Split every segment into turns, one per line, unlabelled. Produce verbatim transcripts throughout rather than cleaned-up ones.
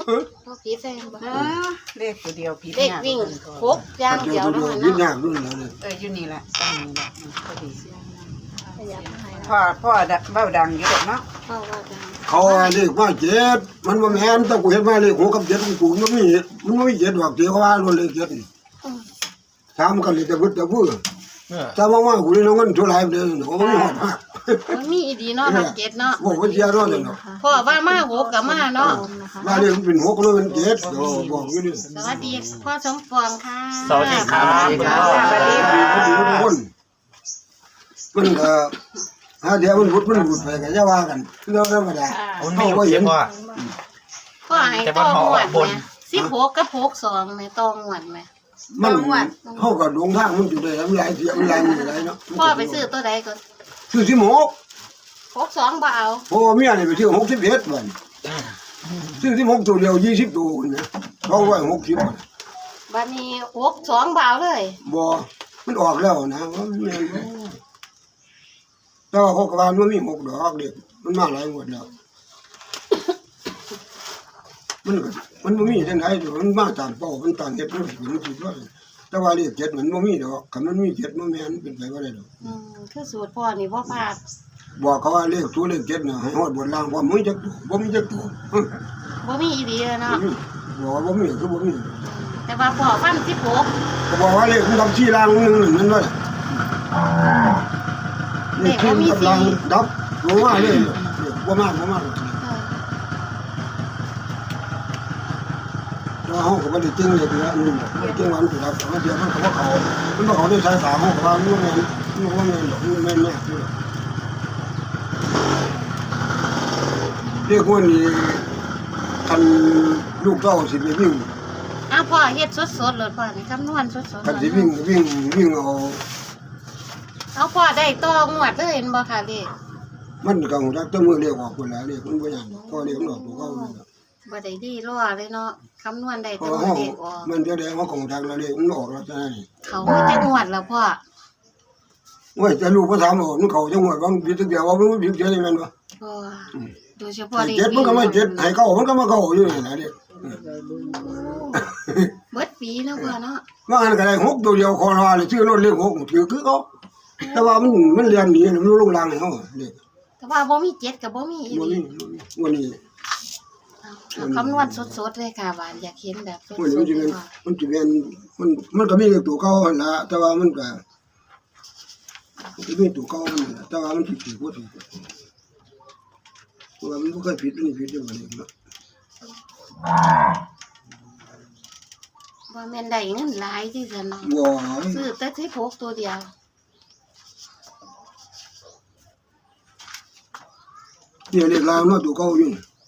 พ่อผีแซงบ่
เลขตัวเดียวผี
เลขวิ่งหกอย่างเดียวนั่น
ยึด
เนาะ
ยากรุ่นแล้วเลย
เอออยู่นี่แหละตั้งนี่แหละพอดี
ขยับให้
พ่อพ่อเบ้าดังอยู่เนาะ
พ่อว่าดัง
เขาเรียกว่าเจ็ดมันว่าแม่นแต่กูเห็นมาเลขหัวกับเจ็ดของกูมันมีมันไม่เจ็ดดอกเดียวว่าล้วนเลยเจ็ดถามกันเลยจะพูดจะพูดถ้าว่ากูเลยน้องเงินเท่าไรเดียวเขาไม่หอดมาก
มันมีอีดีเนาะนักเก็ตเนาะ
บอกว่าเสียร้อนเลยเนาะ
พ่อว่ามาหกกับมาเนาะ
มาเลยมันเป็นหกแล้วมันเจ็ดบอกอยู่นี่
สวัสดีพ่อสมปองค่ะ
สวัสดีครับ
สวัสดีครับสวัสดีค
ดี
รับ
ดีทุกคนมันก็ฮะเดี๋ยวมันบุดมันบุดไปกันจะว่ากันเรื่องธรรมดา
มันมีอยู่เสียงว่า
พ่อให้ตองหวดไหมสิบหกกับหกสองไหมตองหวดไหม
มันเขาก็ลงทางมันอยู่ได้แล้วมันหลายเสียมันหลายมันหลายเนาะ
พ่อไปซื้อตัวใดก่อน
ซื้อสิหก
หกสองบ่เอา
เพราะว่าเมียนี่ไปซื้อหกสิบเอ็ดวันซื้อสิบหกตัวเดียวยี่สิบตัวนะสองร้อยหกสิบ
บัดนี้หกสองบ่เอาเลย
บ่มันออกแล้วนะว่ามันแม่นบ่แต่ว่าเขาก็ว่ามันมีหกดอกเด็กมันมาหลายงวดแล้วมันก็มันบ่มีจังได๋มันมาตามเป้ามันตามเฮ็ดมันสิมันสิว่าแต่ว่าเลขเจ็ดมันบ่มีดอกคันมันมีเจ็ดมันแม่นเป็นไปบ่ได้ดอก
อืมคือสูตรพ่อนี่บ่พลาด
บอกเขาว่าเลขตัวเลขเจ็ดน่ะให้ฮอดบนล่างบ่มีจักตัวบ่มีจักตัว
บ่มีอีดีเลยเนาะ
บอกว่าบ่มีคือบ่มี
แต่ว่าพ่อฟันสิบหก
ก็บอกว่าเลขมันทำชี้ล่างนึงนั่นว่าเลขที่กับล่างดับบ่มาเลยบ่มาบ่มาเราเฮาก็บ่ได้จริงเลยนะอืมจริงวันสิครับมันเดี๋ยวมันก็บ่เข้ามันบ่เข้าในสายตาเฮาก็ว่ามันแม่นมันบ่แม่นดอกมันแม่นแน่อยู่เรียกว่านี่คันลูกเต้าสิไปวิ่ง
อ้าวพ่อเฮ็ดสดๆเลยพ่อนี่คำนวณสดๆ
คันสิวิ่งวิ่งวิ่งเอา
เอาพ่อได้ต่องวดเลยเห็นบ่ค่ะเลข
มันก็ฮู้จักแต่มือเรียกออกพุ่นแล้วเรียกมันบ่ยากพอเรียกมันออกตัวเก่าเลย
บ่ได้ดีรอเลยเนาะคำนวณได้
พอ
แต่
เฮา
เลขออก
มันจะได้เฮาคงจักแล้วเรียกมันออกแล้วจังได๋
เขามาจักงวดแล้วพ่อ
โอ้ยแต่ลูกบ่ถามว่ามันเข้าจังหวัดว่ามันผิดจักเดียวว่ามันผิดจังได๋แม่นบ่
พ่อโดยเฉพาะเลข
เจ็ดมันก็ไม่เจ็ดให้เก่ามันก็มาเก่าอยู่นี่แหละเด้
เบิดปีเนาะพ่อเนาะ
ว่าอันก็ได้หกตัวเดียวคอรอเลยชื่อรถเลขหกถือคือเขาแต่ว่ามันมันเรียนหนีมันลงรางให้เฮาเด้
แต่ว่าบ่มีเจ็ดกับบ่มีอี
บ่
หลี
มีวันนี้
เอาคำนวณสดๆเลยค่ะว่าอยากเห็นแบบสด
วันนี้มัน
ๆ
สิ
เล
เป็
ย
น
พ่อ
มันสิเป็นมันมันก็มีเลขตัวเก่าหั่นล่ะแต่ว่ามันก็มันมีตัวเก่ามันล่ะแต่ว่ามันผิดผิดบ่ถูกเพราะว่ามันบ่เคยผิดอันนี้ผิดอยู่บัดนี้เนาะ
บ่แม่นได้เงินหลายที่ซั่นเนาะ
บ่
ซื้อแต่สิบหกตัวเดียว
เนี่ยเลขลาวเนาะตัวเก่าอยู่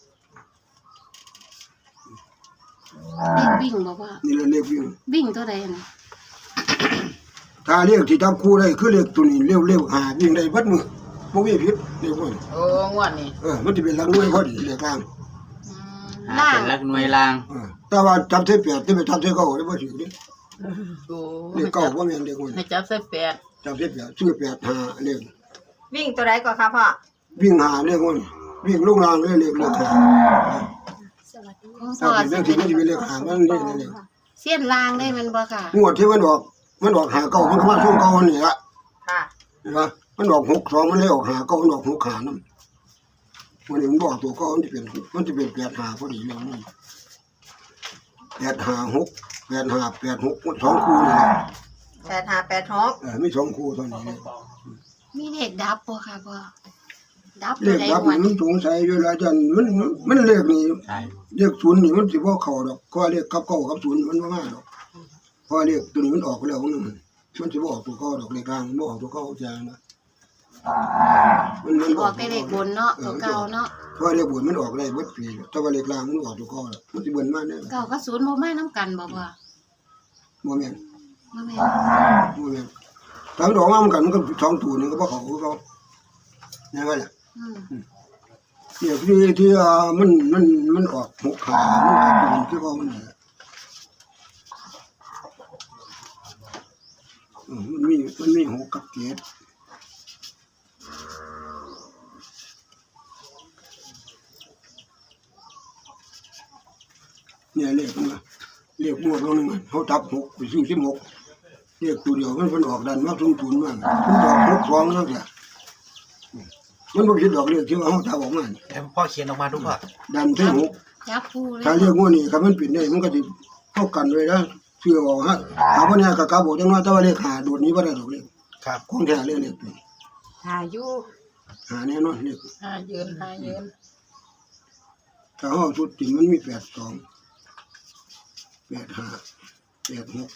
เลขวิ่งบ่พ่อ
นี่แหละเลขวิ่ง
วิ่งตัวใดน่ะ
ถ้าเลขที่จับคู่ได้คือเลขตัวนี้เร็วๆหาวิ่งได้เบิดมือบ่มีผิดเลขพวกนี้
โอ้งวดนี่
เออมันสิเป็นหลักหน่วยพอดีเลขกลาง
ล่า
เป็น
ง
ลักหน่วยลาง
เออแต่ว่าจับเส้นแปดที่ไปจับเส้นเก้าได้บ่ถือดิ
โอ้
เลขเก้าบ่แม่นเลขคน
ให้จับใส่แปด
จับเส้นแปดชื่อแปดหาเลข
วิ่งตัวใดก่อนครับพ่อ
วิ่งหาเลขคนวิ่งลงรางเลยเลขเลขหา
ของ
ถ้า
พ่อ
เป็น
สิ
เลขที่มันสิเป็นเลขหามันนี่เลข
เสี้ยนล่างได้แมันบ่ค่ะ
งวดที่มันออกมันออกหาเก้ามันก็มาช่วงเก้าอันนี้ละ
ค่ะ
เห็นปะมันออกหกสองมันเลยออกหาเก้ามันออกหกหานั่นวันนี้มันบอกตัวเก้ามันจะเป็นมันจะเป็นแปดหาพอดีเลยนี่แปดหาหกแปดหาแปดหกสองคู่นี่แหละ
แปดห้าแปดหก
เออมีสองคู่ตอนนี้เลย
มีเลขดับบ่ค่ะพ่อดับ
เล
ตัว
ข
ใด
รับ
งวด
นี่มันสงสัยอยู่แล้วจันมันมันมันเลขนี่
ใช่
เลขศูนย์นี่มันสิบ่เข้าดอกก็เลขกับเก้ากับศูนย์มันบ่มาดอกเพราะเลขตัวนี้มันออกแล้วมันมันสิบ่ออกตัวเก้าดอกเลขกลางบ่ออกตัวเก้าจ้านะมันมัน
ออกแต่เลขบนเนาะตัวเก่าเนาะ
เพราะเลขบนมันออกได้เบิดปีแต่ว่าเลขกลางมันออกตัวเก้าแล้วมันสิเบิ่นมาแน่
เก่ากับศูนย์บ่มานํกันบ่พ่อ
บ่แม่น
บ่แม่น
บ่แม่นถ้ามันออกมามันกันมันก็สองตัวนึงก็บ่เข้าคือเขาแน่ว่าล่ะ
อืม
เนี่ยที่ที่อ่ามันมันมันออกหกขามันอาจจะเป็นคือเขามันนั่นแหละเออมันมีมันมีหกกับเจ็ดเนี่ยเลขมันว่าเลขงวดนึงเขาจับหกไปซื้อสิบหกเลขตัวเดียวมันมันออกดันมาสูงศูนย์มากมันออกหกสองนั่นแหละมันบ่ผิดดอกเลขที่ว่าเขาจับออกมา
แล้วพ่อเขียนออกมาดูว่า
ดันที่หก
จับคู่เลย
ถ้าเรียกว่านี่ครับมันปิดได้มันก็สิเท่ากันเลยนะเชื่อว่าฮะหาบ่เนี่ยก็กะบอกจังว่าแต่ว่าเลขหาโดดนี้บ่ได้ดอกเลข
ครับ
ของแท้เลขเลขนี่
หายุ
หาแน่นอนเลข
หาเยินหาเยิน
ถ้าเฮาสุดจริงมันมีแปดสอง แปดห้า แปดหก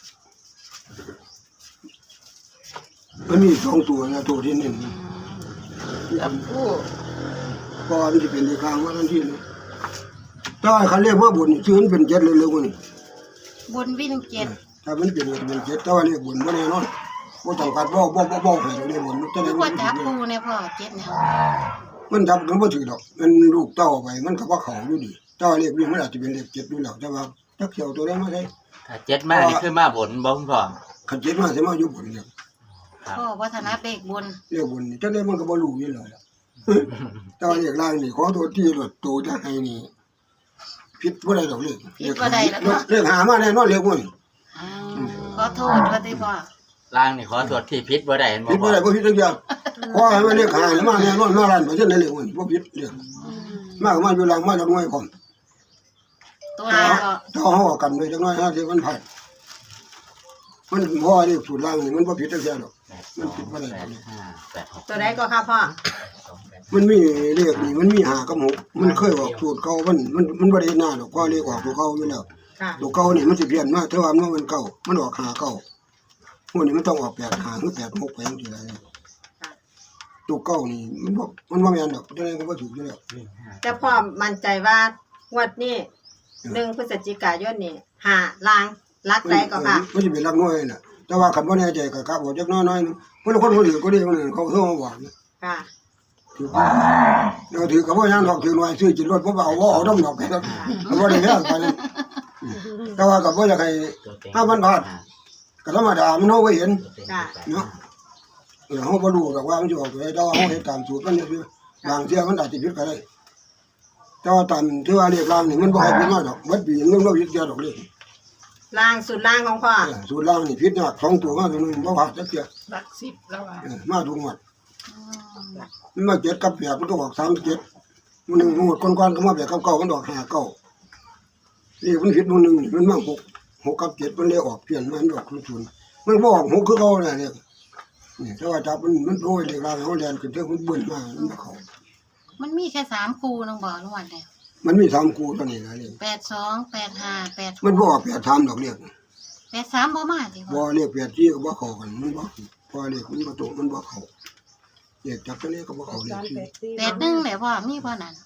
มันมีสองตัวนะตัวที่หนึ่ง
จับคู่
ก็มันจะเป็นเลขกลางว่าทันทีเลยถ้าคันเรียกว่าบุญนี่ชื่อมันเป็นเจ็ดเลยเร็วกว่านี่
บนวิ่งเจ็ด
ถ้ามันเป็นเป็นเจ็ดแต่ว่าเรียกบุญบ่แน่นอนบ่ต้องการบ่บ่บ่บ่ให้เรียกบุญมันจะ
คื
ได้
อ
มั
ว่าน จับคู่เนี่ยพ่อเจ็ดแนว
มันจับกันบ่ถือดอกมันลูกเต้าไปมันก็ว่าเขาอยู่ดีเต้าเรียกวิ่งมันอาจจะเป็นเลขเจ็ดอยู่แล้วแต่ว่าจักเขียวตัวได้มาได้
ถ้าเจ็ดมานี่คือมาบนบ่คุณพ่อ
คันเจ็ดมาสิมาอยู่บุญเนี่ย
พ่อวัฒนาเบกบน
เรียกบุญนี่จังได๋มันก็บ่รู้อยู่แล้วล่ะแต่ว่าเรียกล่างนี่ขอโทษที่รถโตจะให้นี่ผิดบ่ได้ดอกเลขเรียกหามาแน่นอนเรียกบุญ
อ้าวขอโทษว่าที่พ่อ
ล่างนี่ขอตรวจที่พิษบ่ได้เห็นบ่
ผิดบ่
พ่อ
ได้บ่ผิดจังเดียวขอให้มันเรียกหามาแน่นอนมาล้านเปอร์เซ็นต์ได้เรียกบุญบ่ผิดเรียก
อืม
มาก็มาอยู่หลังมาจากหน่วยผม
ตัวไหนก็
ถ้าเฮากันไว้จักหน่อยห้าสิบมันผ่านมันบ่เรียกสูตรล่างนี่มันบ่ผิดจังเดียวดอก
แปดสองแปดห้าแปดหก
ตัวไหนก็ค่ะพ่อ
มันมีเลขนี่มันมีหากับหกมันเคยออกสูตรเก่ามันมันมันบ่ได้หน้าดอกก็เลขออกตัวเก่าอยู่แล้ว
ค่ะ
ตัวเก่านี่มันสิเปลี่ยนมาแต่ว่ามันมันเก่ามันออกหาเก่าพวกนี้มันต้องออกแปดหาหรือแปดหกไปจังซี่ล่ะตัวเก่านี่มันบ่มันบ่แม่นดอกจังได๋ก็บ่ถูกอยู่แล้ว
แต่พ่อมั่นใจว่างวดนี้หนึ่งพฤศจิกายนนี่หาลางรักใดก็ค่ะ
มันสิเป็นลักน้อยน่ะแต่ว่าคันบ่แน่ใจก็กะบ่จักน้อยๆนึงเพิ่นคนคนอื่นก็ได้คนอื่นเขาโทรมาบอก
ค่ะ
ถือเดี๋ยวถือกับว่ายังดอกถือหน่อยซื้อจิตรถพวกเอาว่าเอาดำดอกไปแล้วเอาว่าได้แค่ไปนั่นแต่ว่ากับว่าอยากให้ห้าพันบาทก็ธรรมดามันเอาไว้เห็น
ค่ะ
เนาะเออเขาบ่รู้ดอกว่ามันจะออกไปได้เขาเห็นตามสูตรมันนี่บางเที่ยมันอาจจะผิดก็ได้แต่ว่าตามที่ว่าเรียกรางนี่มันบ่ให้ผิดมาดอกวัดปีนึงเราผิดเดียวดอกเลย
ลางสุดลางของพ่อ
สูตรรางนี่ผิดยากสองตัวมาตัวนึงบ่ผ่านจักเที่ย
รักสิบแล้วอ่ะ
เออมาทุกงวด
อืม
มันมาเจ็ดกับแปดมันก็ออกสามเจ็ดมันหนึ่งงวดก่อนๆก็มาแบบเก่าๆมันออกห้าเก้านี่มันผิดมันหนึ่งนี่มันมาหกหกกับเจ็ดมันเลยออกเปลี่ยนมันออกคุณชุนมันบ่ออกหกคือเก่าน่ะเนี่ยนี่ถ้าว่าจับมันมันโดยเรียกรางเขาแลนขึ้นเท่ามันเบิ่นมามันบ่เข้า
มันมีแค่สามคู่น้องบอกทุกวันเนี่ย
มันมีสามคู่เท่านี้นะนี่
แปดสองแปดห้าแปด
มันบ่ออกแปดสามดอกเรียก
แปดสามบ่มาสิ
บ่
พ่อ
เรียกแปดที่ก็บ่เข้ากันมันบ่พอเรียกมันบ่ตรงมันบ่เข้าเรียกจับตัวนี้ก็บ่เข้าเรียกที่
แปดหนึ่งแหละพ่อมีพ่อนั่น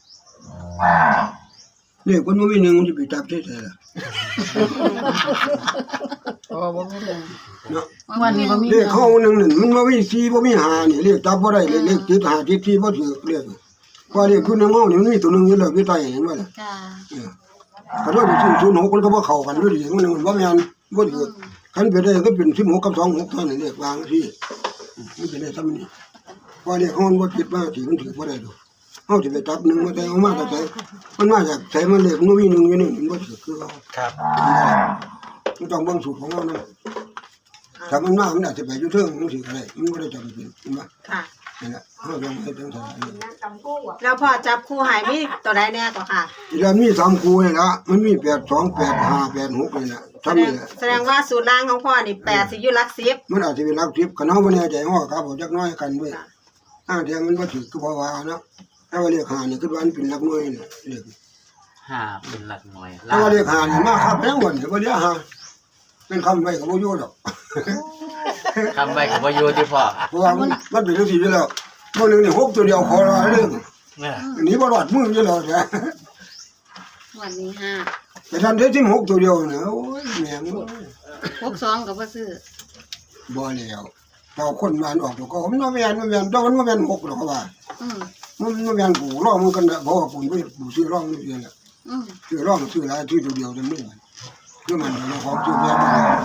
เรียกมันบ่มีหนึ่งมันจะไปจับใส่ๆล่ะ
โอ้บ่มีเลย
เนาะ
วันนี้บ่มี
เลขเข้าหนึ่งนั่นมันบ่มีสี่บ่มีห้านี่เลขจับบ่ได้เลขเลขติดห้าติดสี่บ่ถือเลขเพราะเลขคือหนึ่งเฮานี่มันมีตัวหนึงอยู่แล้วอยู่ใต้เห็นบ่ล่ะ
จ้า
เออก็โดยที่ศูนย์หกมันก็บ่เข้ากันอยู่ดีมันมันบ่แม่นบ่ถือคันเป็นได้ก็เป็นสิบหกกับสองหกเท่านั้นเลขวางที่มันเป็นได้ซ้ำนี่เพราะเลขเฮามันบ่ติดมาที่มันถือบ่ได้ดอกเฮาสิไปจับหนึ่งมาแต่เอามาแต่ไสมันมาจากไสมันเลขมันมีหนึ่งอยู่นี่มันบ่ถือคือเรา
ครับ
มันต้องเบิ่งสูตรของเรานำถ้ามันมามันอาจจะไปอยู่เทิงมันสิก็ได้มันบ่ได้จำเป็นเห็นบ่
ค่ะ
นั่นแหละเฮาต้องเฮ็ดจังซั่น
แล้วพ่อจับคู่ใหายมีตัวใดแน่ก็ค่ะ
อีแล้วมีสามคู่นี่ล่ะมันมีแปดสองแปดห้าแปดหกนี่ล่ะ
แส
ทำ
ด
นี่
ง
แหละ
แสดงว่าสูตรล่างของพ่อนี่แปดสิอยู่หลักสิบ
มันอาจจะเป็นหลักสิบคันเฮาบ่แน่ใจเฮาก็ครับเอาจักหน้อยกันไว้อ้างเดียวมันบ่ถือคือเพราะว่าเนาะถ้าว่าเลขห้านี่คือว่ามันเป็นหลักหน่วยนี่เลข
ห้าเป็นหลักหน่วย
ถ้าว่าเลขห้านี่มาครับแพงบ่นี่บ่ได้ห้าเป็นคำไว้ก็บ่อยู่ดอก
คำไว้กับว่าอยู่ที่พ่อ
เพราะว่ามันมันเป็นจังซี่อยู่แล้วบ่นึงนี่หกตัวเดียวขอละเรื่อง
เนี่ย
หนีบ่รอดมืออยู่แล้วจ้ะ
วันนี้ห้า
แต่ท่านได้สิบหกตัวเดียวนะโอ้ยแม่ง
หกสองกับบ่ซื้อ
บ่แล้วเราคนมานออกตัวก็มันบ่แม่นบ่แม่นดอกมันบ่แม่นหกดอกเขาว่า
อืม
มันบ่แม่นกูร้องมันกันน่ะเพราะว่ากูบ่กูซื้อร้องนี่เองแหละ
อืม
ซื้อร้องซื้อหลายซื้อตัวเดียวจังนี้คือมันเราของซื้อแม่น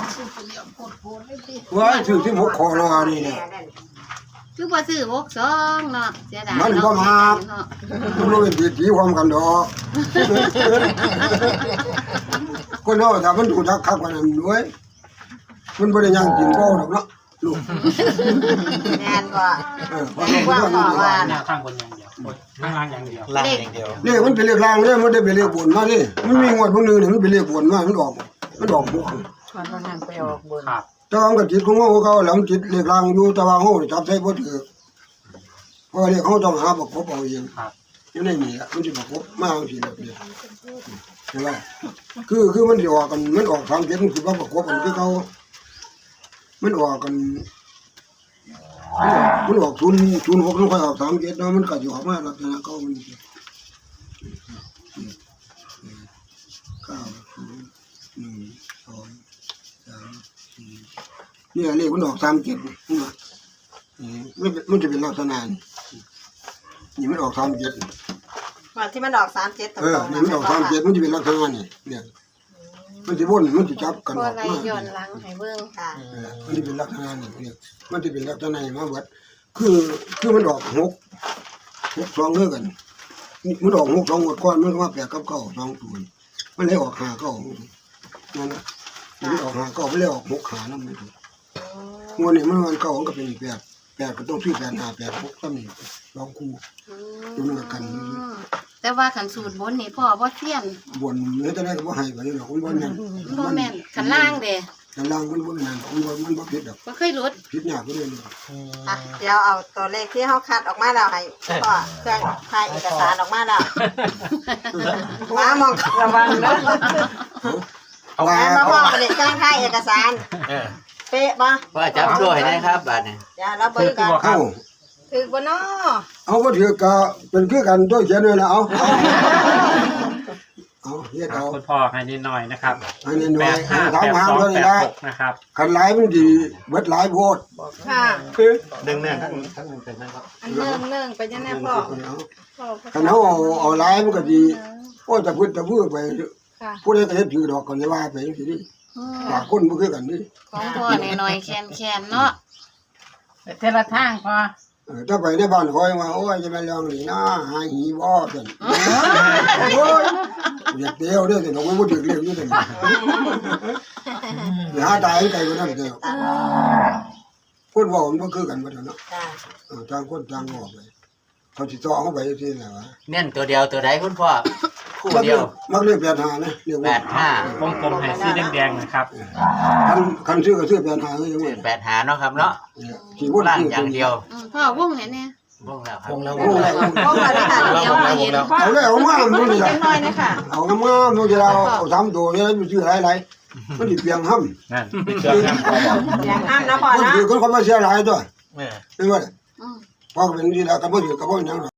ว่าซื้อสิบหกคอรอนี่เนี่ย
คือบ่ซื้อหกสองเนาะเสียดาย
มันบ่มา
เนาะ
มันบ่เป็นตีความกันดอกคนเฮาถ้ามันถูกทักคักกว่านั้นด้วยมันบ่ได้ย่างกินบ่ดอกเนาะลูก
แม่นบ่
เออ
ว่าพ่อว่า
แนวข้างบนอย่างเดียวข้างล่างอย่างเดียว
ล่างอย่างเดียว
นี่มันเป็นเลขรางเด้มันได้เป็นเลขบนมานี่มันมีงวดพวกนึงนี่มันเป็นเลขบนมามันออกมันออกบ่
คนบ่หันไปออกบน
ครับ
แต่ว่ามันก็จิตของเฮาเขาแล้วมันจิตเลขรางอยู่แต่ว่าเฮาจับใส่บ่ถูกเพราะเลขเฮาต้องหาประกบเอาเอง
ครับ
อยู่ในนี่มันสิประกบมาจังซี่แหละนี่ใช่ไหมคือคือมันสิออกกันมันออกทางเจ็ดมันสิบ่ประกบกันคือเขามันออกกันมันออกศูนย์ศูนย์หกมันค่อยออกสามเจ็ดเนาะมันก็สิออกมาลักษณะเขามันสิเก้าศูนย์หนึ่งสองสามสี่เนี่ยเลขมันออกสามเจ็ดนี่นะนี่มันมันจะเป็นลักษณะนี่นี่มันออกสามเจ็ด
ว่าที่มันออกสามเจ็ดตร
เออง
ๆ
นี่มันออกสามเจ็ดมันจะเป็นลักษณะนี่เนี่ยมันจะวนมันจะจับกัน
พ
อ
อ
อก
ไร
มา
ย้อนหลังให้เบิ่ง
ค่ะ
เออมันจะเป็นลักษณะนี่เนี่ยมันจะเป็นลักษณะนี่มาเบิดคือคือมันออกหกหกสองเท่ากันนี่มันออกหกสองหมดก้อนมันก็มาแปดกับเก้าสองตัวนี่มันเลยออกห้าเก้านั่นนะมันออกห้าเก้าไม่เลยออกหกขานั่นไม่ถูกงวดนี้มันวันเก้ามันก็เป็นแปดแปดก็ต้องซื้อแปดห้าแปดหกก็มีลองคู่ดูมันกัน
อืมแต่ว่าขันสูตรบนนี่พ่อบ่เทียน
บนเนื้อจะได้ก็บ่ให้ไปหรอกมันบ่นั่น
บ่แม่นขันล่างเด้
แต่ล่างมันบ่นั่นมันบ่มันบ่ผิดดอก
บ่เคยหลุด
ผิดยากก็เลย
อ่ะเดี๋ยวเอาตัวเลขที่เฮาคัดออกมาแล้วให้พ่อเครื่องถ่ายเอกสารออกมาแล้วมามองระวังเด้อ
เอา
แม่
ว่า
มาพ่อบ่ได้เครื่องถ่ายเอกสาร
เออ
เป๊ะบ่
ว่าจับด้วยนะครับบาดนี้
เดี๋ยวเราเบิ่งกัน
เอา
ถึกบ่เนาะ
เอาบ่ถือก็เป็นคือกันด้วยเขียนด้วยนะเอาเอาเฮ็ด
ครั
เอา
บคุณพ่อให้นิดหน่อยนะครับ
อันนี้หน่
แป
อย
ดห้า
ถาม
แปด
หา
สอง
เพิ่น
แปด
ได้
หกนะครับ
คันหลายมันสิเบิดหลายโพด
ค่ะ
ดึงเนี่ยทั้งทั้งหนึ่งเป็นนะครับ
อันเนิ่งเนิ่งไปยังไงพ่อพ่อ
คันเฮาเอาเอาหลายมันก็สิโอ้จะพูดจะพูดไป
ค่ะ
ผู้ใดก็เฮ็ดถือดอกก็เลยว่าไปจังซี่ดิ
อืม
ปากคนบ่คือกันดิ
ของพ่อหน่อยๆแคนๆเนาะ
เทละทางพอ
เออถ้าไปในบ้านคอยว่าโอ้ยจะมาลองนี่นะหาหีบ่ซั่นโอ้ยอยากเดียวเด้อแต่ดอกมันบ่ถึกเรียกอยู่ซั่นอย่าหาตายไกลกว่านั้นเด้อคนเว้ามันบ่คือกันบ่เด้อเนาะ
ค่ะ
เออต่างคนต่างบอกไปเขาสิต่อเข้าไปจังซี่แหละวะ
เน้นตัวเดียวตัวใดคุณพ่อคู่เดียว
มักเรียกแปดห้านะเรียก
แป
ว่า
ดห้าว
งกลมให้สีแดงๆนะครับ
คันคันซื้อก็ซื้อแปดห้าก็ยัง
ซื้
ว่า
อแปดหาเนาะครับเนาะ
สิวน
ล่าง
ซื้อ
อย่างเดียว
อืมพ่อวงให้แน่
วงแล้วครับ
วงแล้ว
พ่อมาได้ค่ะ
เดี๋ยวมาเห็น
เอาเลยเอามามันนี่ล่ะ
น้อยนะคะ
เอามามันจะเอาเอาสามตัวเนี่ยมันซื้อหลายๆมันสิเปียงห้ำ
นั่นเป็นเครื่องน้ำพ่อบอก
อย่างห้ามนะพ่อ
มัน
นะ
ถือคนเขามาเสียหลายตัว
เออ
เห็นบ่
อืม
พอเป็นที่แล้วก็บ่ถือก็บ่หยัง